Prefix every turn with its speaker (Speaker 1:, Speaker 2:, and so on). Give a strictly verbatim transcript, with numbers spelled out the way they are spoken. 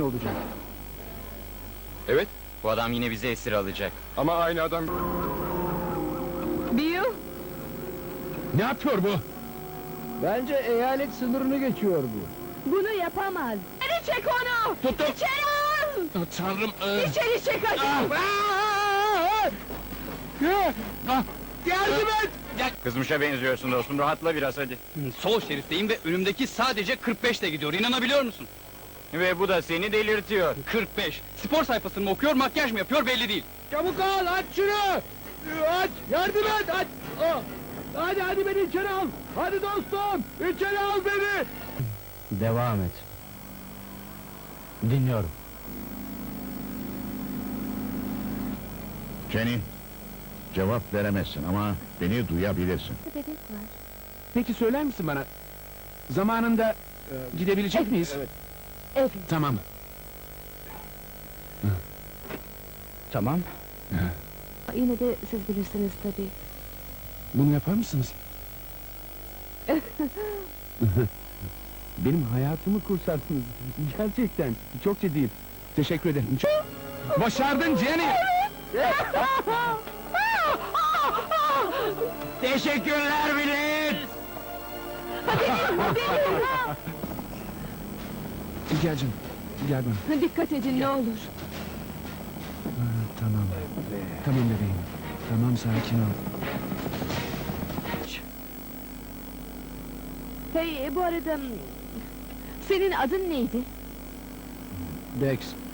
Speaker 1: olacak.
Speaker 2: Evet,
Speaker 3: Bu adam yine bizi esir alacak.
Speaker 2: ama aynı adam...
Speaker 4: Bill,
Speaker 1: Ne yapıyor bu? Bence eyalet sınırını geçiyor bu.
Speaker 4: bunu yapamaz. İçeri çek onu!
Speaker 1: Tuttum.
Speaker 4: İçeri al!
Speaker 1: Tanrım! e-
Speaker 4: İçeri çek hadi!
Speaker 1: Ah! Ah! Yardım et!
Speaker 3: Kızmışa benziyorsun dostum, rahatla biraz hadi.
Speaker 5: Sol şeritteyim ve önümdeki sadece kırk beşte gidiyor, inanabiliyor musun?
Speaker 3: Ve bu da seni delirtiyor.
Speaker 5: kırk beş! Spor sayfasını mı okuyor, makyaj mı yapıyor belli değil.
Speaker 1: Çabuk al, aç şunu! Aç, yardım et, aç! Ah! Hadi, hadi beni içeri al! Hadi dostum, içeri al beni! Devam et. Dinliyorum.
Speaker 6: Jenny, cevap veremezsin ama beni duyabilirsin.
Speaker 4: Bebek var.
Speaker 1: Peki söyler misin bana, zamanında gidebilecek miyiz? Evet.
Speaker 4: Evet.
Speaker 1: Tamam. Tamam.
Speaker 4: Yine de siz bilirsiniz tabii.
Speaker 1: Bunu yapar mısınız? Benim hayatımı kurtardınız. Gerçekten, çok ciddiyim. Teşekkür ederim. Çok... Başardın Jenny!
Speaker 3: Teşekkürler millet!
Speaker 1: Gel canım, gel bana.
Speaker 4: Dikkat edin ne olur.
Speaker 1: Ha, tamam. Tamam bebeğim. Tamam, sakin ol.
Speaker 4: Hey, bu arada... Senin adın neydi?
Speaker 1: Dex,